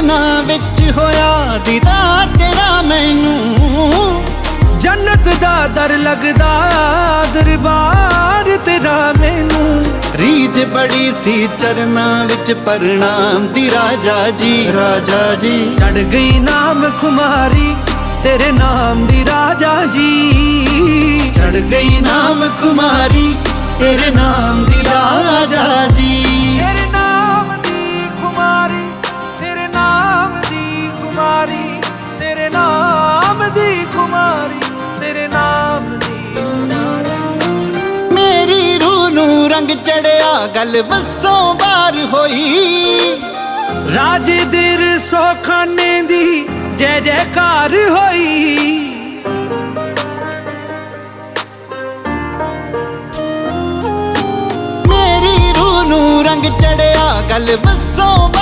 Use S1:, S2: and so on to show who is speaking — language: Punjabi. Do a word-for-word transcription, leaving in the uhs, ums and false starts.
S1: ਚਰਨਾਂ ਵਿੱਚ ਹੋਇਆ ਦੀਦਾਰ ਤੇਰਾ ਮੈਨੂੰ।
S2: ਜੰਨਤ ਦਾ ਦਰ ਲੱਗਦਾ ਦਰਬਾਰ ਤੇਰਾ ਮੈਨੂੰ।
S1: ਰੀਝ ਬੜੀ ਸੀ ਚਰਨਾਂ ਵਿੱਚ ਪ੍ਰਣਾਮ ਦੀ ਰਾਜਾ ਜੀ, ਰਾਜਾ ਜੀ।
S2: ਚੜ ਗਈ ਨਾਮ ਖੁਮਾਰੀ ਤੇਰੇ ਨਾਮ ਦੀ ਰਾਜਾ ਜੀ।
S1: ਚੜ ਗਈ ਨਾਮ ਖੁਮਾਰੀ ਤੇਰੇ ਨਾਮ ਦੀ ਰਾਜਾ ਜੀ।
S2: ਤੇਰੇ ਨਾਮ ਦੀ ਖੁਮਾਰੀ ਤੇਰੇ ਨਾਮ ਦੀ ਖੁਮਾਰੀ ਤੇਰੇ ਨਾਮ ਦੀ ਖੁਮਾਰੀ ਤੇਰੇ ਨਾਮ ਦੀ ਖੁਮਾਰੀ।
S1: ਮੇਰੀ ਰੂਹ ਨੂੰ ਰੰਗ ਚੜਿਆ ਗੱਲ ਵੱਸੋਂ ਬਾਰ ਹੋਈ।
S2: ਰਾਜੇ ਦੇ ਰਸੋਖਾਨੇ ਦੀ ਜੈ ਜੈਕਾਰ ਹੋਈ।
S1: ਮੇਰੀ ਰੂਹ ਨੂੰ ਰੰਗ ਚੜਿਆ ਗੱਲ ਵੱਸੋਂ